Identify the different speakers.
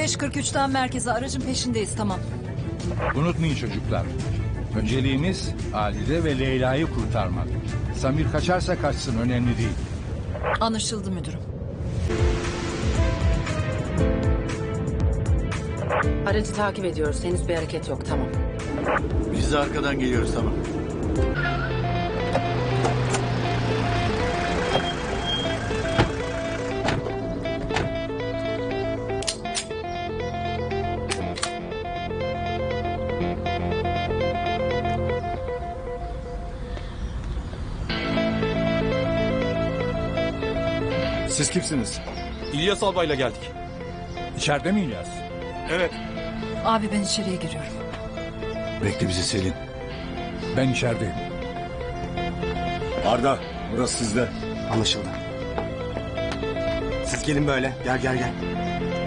Speaker 1: 05.43'ten merkeze, aracın peşindeyiz, tamam.
Speaker 2: Unutmayın çocuklar. Önceliğimiz Halide ve Leyla'yı kurtarmak. Samir kaçarsa kaçsın, önemli değil.
Speaker 1: Anlaşıldı müdürüm.
Speaker 3: Aracı takip ediyoruz. Henüz bir hareket yok. Tamam.
Speaker 4: Biz de arkadan geliyoruz, tamam.
Speaker 5: Siz kimsiniz?
Speaker 6: İlyas Albay'la geldik.
Speaker 2: İçeride mi İlyas?
Speaker 6: Evet.
Speaker 1: Abi ben içeriye giriyorum.
Speaker 4: Bekle bizi Selin.
Speaker 2: Ben içerideyim.
Speaker 5: Arda, burası sizde.
Speaker 7: Anlaşıldı. Siz gelin böyle. Gel gel gel.